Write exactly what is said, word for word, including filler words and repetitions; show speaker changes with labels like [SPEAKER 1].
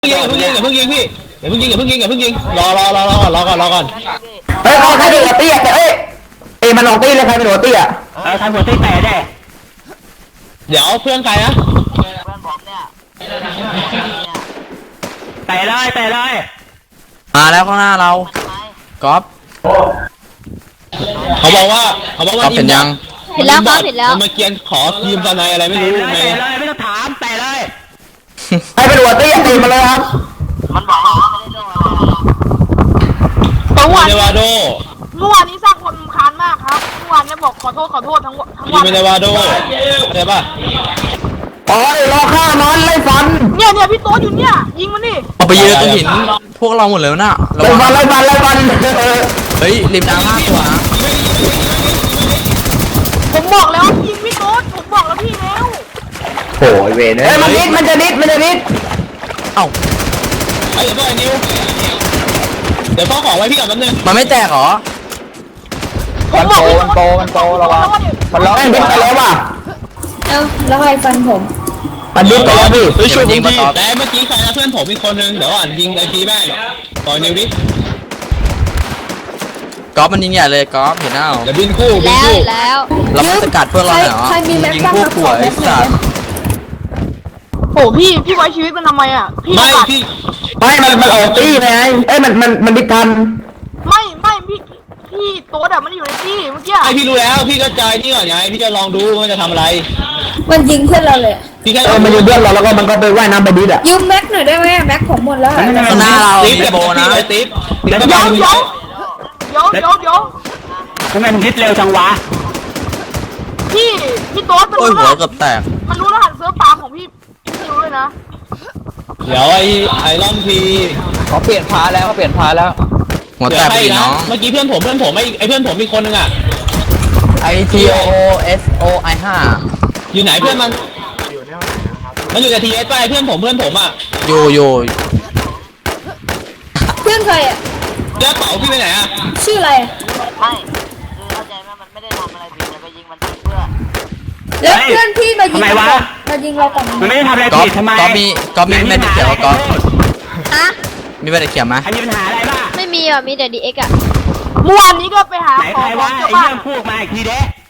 [SPEAKER 1] ยิงอย่าเพิ่งยิงอย่าเพิ่งยิงพี่อย่าเพิ่งยิงอย่าเพิ่งยิงอย่าเพิ่งยิงรอรอรอรอรอก่อนรอก่อน
[SPEAKER 2] เฮ้ยใครเป็นหัวเตี้ยเอ้ยเอ้ยมันลงตี้เลยใครเป็นหัวเตี้ย
[SPEAKER 3] เออใครหัวตี้แตะได้
[SPEAKER 1] เดี๋ยวเพื่อนใครนะ
[SPEAKER 4] เพื่อนผมเนี่ย
[SPEAKER 3] แตะเลยแตะเลย
[SPEAKER 5] มาแล้วข้างหน้าเราก๊อฟ
[SPEAKER 1] เขาบอกว่าเขาบอกว่า
[SPEAKER 5] เห็นยัง
[SPEAKER 6] เห็นแล้วครับเห็นแล้ว
[SPEAKER 1] มาเกียนขอทีมตอนไหนอะไรไม่รู้ไง
[SPEAKER 3] แตะเลยไม่ต้องถามแตะเลย
[SPEAKER 2] ใครเป็นหัวเตี้ยตีมาเลยครับ
[SPEAKER 4] มันบอกว่าไม่ได้โดนอะไร
[SPEAKER 1] เมื่อวานเนวาโด
[SPEAKER 7] เมื่อวานนี้สร้างคนคานมากครับเมื่อวานนี้บอกขอโทษขอโทษทั้งทั้งวัน
[SPEAKER 1] เนวาโดใช่ป่ะ
[SPEAKER 2] อ๋อรอฆ่ามันไล่ฟัน
[SPEAKER 7] เนี่ยเนี่ยพี่โต๊ดอยู่เนี่ยยิงมันนี่
[SPEAKER 5] เอาไปยืนตรงหินพวกเราหมดเลยน่ะ
[SPEAKER 2] ไล่ฟันไล่ฟันไล่ฟัน
[SPEAKER 5] เฮ้ยริมน้ำห้าตัวนะ
[SPEAKER 7] ผมบอกแล้วยิงพี่โต๊ดผมบอกแล้วพี่แล้ว
[SPEAKER 2] โอ้ยเวรเอ้ยมันนิดมันจะนิดมันจะนิด
[SPEAKER 5] เอ้า
[SPEAKER 1] ไอ้เดี๋ยวก็ไอ้นิวเดี๋ยวพ่อขอไว้พี่กับแป๊บนึง
[SPEAKER 5] มันไม่แตกหรอ
[SPEAKER 2] มันโตมันโตมันโตระวังมันร้องดิ้นไปแล้วว่ะ
[SPEAKER 6] เอ้าแล้วใครฟันผม
[SPEAKER 2] มันดิ้นไปแล้วพี่
[SPEAKER 1] เฮ้ยช่วยยิงพี่แต่เมื่อกี้ใครนะเพื่อนผมอีกคนนึงเดี๋ยวอ่านยิงไอพีแม่ปล่อยนิวดิ
[SPEAKER 5] ก๊อฟมันยิงใหญ่เลยก๊อฟเห็นหน้า
[SPEAKER 1] เดี๋ยวบินคู่บิน
[SPEAKER 6] แล้ว
[SPEAKER 1] คู่
[SPEAKER 6] แล้ว
[SPEAKER 5] เราไม่สกัดเพื่อนเราเหรอยิงพวกป่วยสัตว์
[SPEAKER 7] โอ้พี่พี่ไว้ชีวิตมันทำไมอ่ะพี่
[SPEAKER 1] ไม่พี่
[SPEAKER 2] ไม่มันมันออกตี้ไงเอ้ยมันมันมันดิทัน
[SPEAKER 7] ไม่ไม่พี่พี่โต๊ดอะมันอยู่ในที่เมื่อกี้
[SPEAKER 1] ไอพี่รู้แล้วพี่ก็ใจนี่ก่อนไงพี่จะลองดูว่าจะทำอะไร
[SPEAKER 6] มันยิงเพื่อนเราเลย
[SPEAKER 1] พี่แค่
[SPEAKER 2] เออมันอยู่เบื้องเราแล้วก็มันก็ไปว่ายน้ำไปดิดอ่ะ
[SPEAKER 6] ยืมแม็กหน่อยได้ไหมแม็กผมหมดแล้ว
[SPEAKER 5] ข้างหน้าเราติ๊บโบนะ
[SPEAKER 1] ติ๊บ
[SPEAKER 7] เดี๋ยวเดี๋ยวเดี๋ยวเดี๋ยวเดี๋ยวเดี๋ยว
[SPEAKER 3] ทำไมมันยึดเร็วจังวะ
[SPEAKER 7] พี่พี่โต๊ดมัน
[SPEAKER 5] โอ้ย
[SPEAKER 7] รู้
[SPEAKER 5] หัว
[SPEAKER 7] รหัส
[SPEAKER 5] เกือบแตก
[SPEAKER 7] มันรู้รหัสเซิร์ฟฟาร์มของพี่พี่รู้เลยนะ
[SPEAKER 1] เดี๋ยวไอไอรอนที
[SPEAKER 2] เขาเปลี่ยนพาแล้วเขาเปลี่ยนพาแล้ว
[SPEAKER 5] หัวแตกไปน้อง
[SPEAKER 1] เมื่อกี้เพื่อนผมเพื่อนผมไอไอเพื่อนผมมีคนนึงอ่ะ
[SPEAKER 5] ไอ ที โอ เอส โอ ไอ ห้า
[SPEAKER 1] อยู่ไหนเพื่อนมันมันอยู่กับทีเอสไปเพื่อนผมเพื่อนผมอ่ะ
[SPEAKER 5] อยู่อยู่
[SPEAKER 6] เพื่อนใครอ่ะ
[SPEAKER 1] เจ้าเป๋าพี่ไปไหนอ่ะ
[SPEAKER 6] ชื่ออะไร
[SPEAKER 4] ไม่คือเข้าใจไหมมันไม่ได้ทำอะไรผิดแต่ไปยิงมันเพื่อ
[SPEAKER 6] แล้วเพื่อนพี่มายิงเรามายิงเราก่อน
[SPEAKER 3] มันไม่ได้ทำอะไร
[SPEAKER 5] ก๊อฟ
[SPEAKER 3] ผิดทำไม
[SPEAKER 5] ก๊อฟมีก๊อฟมีแมจิกเขียวก๊อฟ
[SPEAKER 6] ฮะ
[SPEAKER 5] มีแมจิกเขียวไหม
[SPEAKER 3] อันนี้ปัญหาอะไรบ้าง
[SPEAKER 6] ไม่มีอ่ะมีแต่ดีเอ็กอ่ะ
[SPEAKER 7] เมื่อวานนี้ก็ไปหา
[SPEAKER 3] ไหน
[SPEAKER 7] ขอ
[SPEAKER 3] ใคร
[SPEAKER 7] ขอ
[SPEAKER 3] ว่า
[SPEAKER 7] เจ้า
[SPEAKER 3] ไอ้
[SPEAKER 7] บ้า
[SPEAKER 3] เรื่
[SPEAKER 7] น
[SPEAKER 3] องพูดมาอีกทีเด้